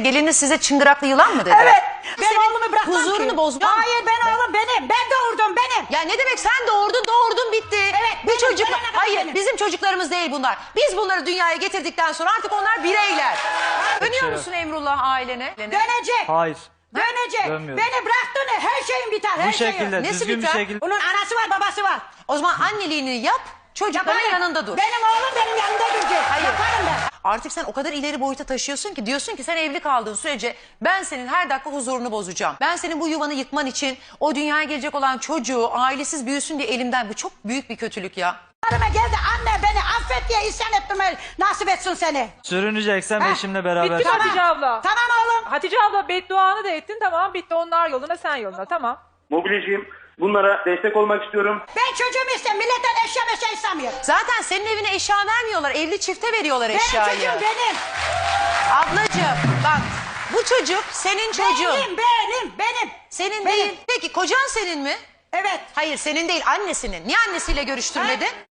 gelini size çıngıraklı yılan mı dedi? Evet. Ben Senin oğlumu bırakmam huzurunu ki. bozmam. Hayır, ben oğlum benim. Ben doğurdum, benim. Ya ne demek sen doğurdun bitti. Evet, Bu benim, çocuklar, benim, hayır benim. bizim çocuklarımız değil bunlar. Biz bunları dünyaya getirdikten sonra artık onlar bireyler. Dönüyor musun Emrullah ailene? Dönecek. Hayır. Dönecek. Dönmüyorum. Beni bıraktığını her şeyin biter, her Bu şeyin. şekilde Nesi düzgün bir biter? şekilde. Bunun anası var, babası var. O zaman anneliğini yap, çocukların Yaparım. yanında dur. Benim oğlum benim yanında duracak. Hayır. Yaparım ben. Artık sen o kadar ileri boyuta taşıyorsun ki diyorsun ki sen evli kaldığın sürece ben senin her dakika huzurunu bozacağım. Ben senin bu yuvanı yıkman için o dünyaya gelecek olan çocuğu ailesiz büyüsün diye elimden, bu çok büyük bir kötülük ya. Hanıma geldi, anne beni affet diye isyan ettirme, nasip etsin seni. Sürüneceksem Ha, eşimle beraber. bitti mi Hatice abla? Tamam oğlum. Hatice abla bedduanı da ettin, tamam, bitti, onlar yoluna sen yoluna, tamam. Mobilyacıyım. Bunlara destek olmak istiyorum. Ben çocuğumu istemiyorum. Milletten eşya istemiyorum. Zaten senin evine eşya vermiyorlar, evli çifte veriyorlar Benim eşyayı. çocuğum benim. Ablacığım bak, bu çocuk senin çocuğun. Benim. Senin Benim. değil. Peki kocan senin mi? Evet. Hayır senin değil, annesinin. Niye annesiyle görüştürmedin?